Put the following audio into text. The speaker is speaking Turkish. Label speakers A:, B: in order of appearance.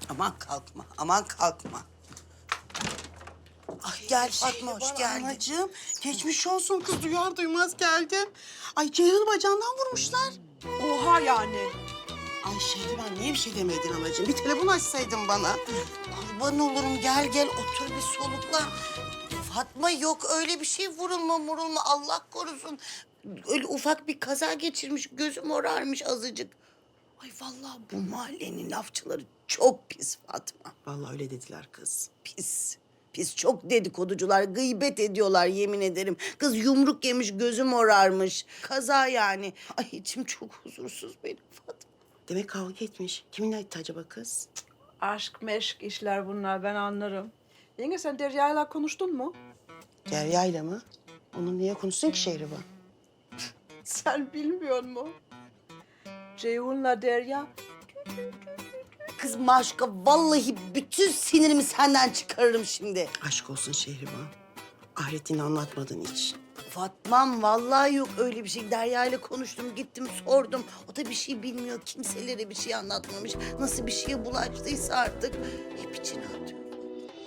A: Aman kalkma, aman kalkma. Ay gel Fatma, hoş geldin.
B: Anacığım, geçmiş olsun kız duyar duymaz geldim. Ay Ceyhun'u bacağından vurmuşlar.
C: Oha yani.
B: Ay Şehriban niye bir şey demedin anacığım? Bir telefon açsaydın bana.
A: Kurban olurum, gel otur bir solukla. Fatma yok öyle bir şey, vurulma Allah korusun. Öyle ufak bir kaza geçirmiş, gözü morarmış azıcık. Ay vallahi bu mahallenin lafçıları çok pis Fatma.
B: Vallahi öyle dediler kız.
A: Pis çok dedikoducular, gıybet ediyorlar yemin ederim. Kız yumruk yemiş, gözü morarmış. Kaza yani. Ay içim çok huzursuz benim Fatma.
B: Demek kavga etmiş. Kiminle etti acaba kız?
C: Aşk meşk işler bunlar, ben anlarım. Yenge sen Derya'yla konuştun mu?
B: Derya'yla mı? Onun niye konuşsun ki Şehriban?
C: Sen bilmiyor musun? Ceyhun'la Derya
A: Kız Maşka vallahi bütün sinirimi senden çıkarırım şimdi.
B: Aşk olsun Şehriban. Ahretini anlatmadın hiç.
A: Fatmam vallahi yok öyle bir şey. Derya ile konuştum, gittim sordum. O da bir şey bilmiyor, kimselere bir şey anlatmamış. Nasıl bir şeye bulaştıysa artık hep içine atıyor.